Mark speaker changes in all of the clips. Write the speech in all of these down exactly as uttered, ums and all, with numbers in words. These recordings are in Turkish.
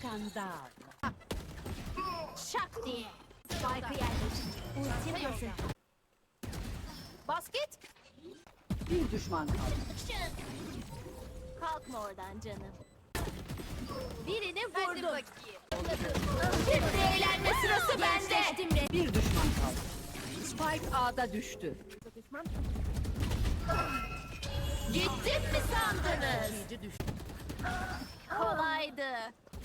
Speaker 1: Skandal.
Speaker 2: Şak diye. Spike'ı yerleştir. Ultim hazır. Basket.
Speaker 1: Bir düşman kaldı.
Speaker 2: Kalkma oradan canım. Birini vurdum. Şimdi eğlenme sırası bende.
Speaker 1: Bir düşman kaldı. Spike A'da düştü.
Speaker 2: Gittim mi sandınız?
Speaker 1: İkinci düştü.
Speaker 2: Kolaydı.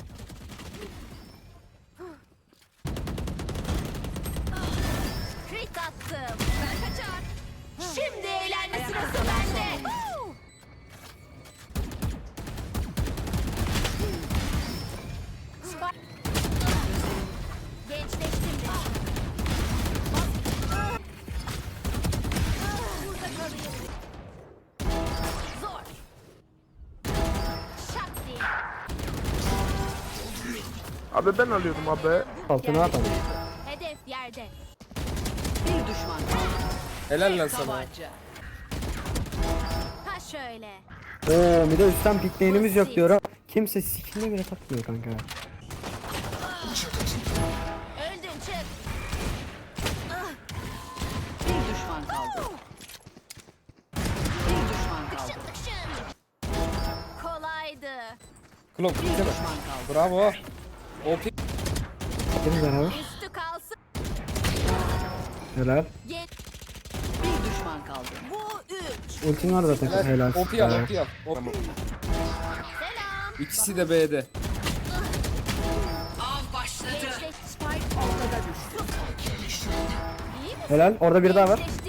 Speaker 2: Crit attım. Ben kaçar. Şimdi eğlenme sırası bende. Spike. Gençleştim de. Burada kalayım. Zor. Şak diye.
Speaker 3: Abi ben alıyordum abi.
Speaker 4: Altına atalım.
Speaker 2: Hedef yerde.
Speaker 1: Bir düşman kaldı.
Speaker 5: Helal lan sana.
Speaker 1: Tabanca.
Speaker 2: Ha şöyle.
Speaker 4: Oo bir de üstten pikleyenimiz yok diyor. Kimse sikini bile takmıyor kanka.
Speaker 2: Öldün çık.
Speaker 1: Bir düşman kaldı. Bir düşman kaldı.
Speaker 2: Şık şık. Kolaydı.
Speaker 5: Klok
Speaker 1: Bir
Speaker 5: bitti mi?
Speaker 1: düşman kaldı.
Speaker 5: Bravo. O pi...
Speaker 4: Hepimiz beraber.
Speaker 2: Üstü kalsın.
Speaker 4: Helal.
Speaker 2: Get.
Speaker 1: Bir düşman kaldı.
Speaker 2: Bu üç.
Speaker 4: Ultin var zaten.
Speaker 5: Helal.
Speaker 4: Helal.
Speaker 5: O pi al,
Speaker 4: Helal.
Speaker 5: o pi al. O- Tamam.
Speaker 2: Selam.
Speaker 5: İkisi de B'de.
Speaker 1: Av başladı.
Speaker 2: Gençleş.
Speaker 1: Spike ortada düştü.
Speaker 2: İyi misin?
Speaker 4: Helal. Orada biri daha var.
Speaker 2: Gençleştim.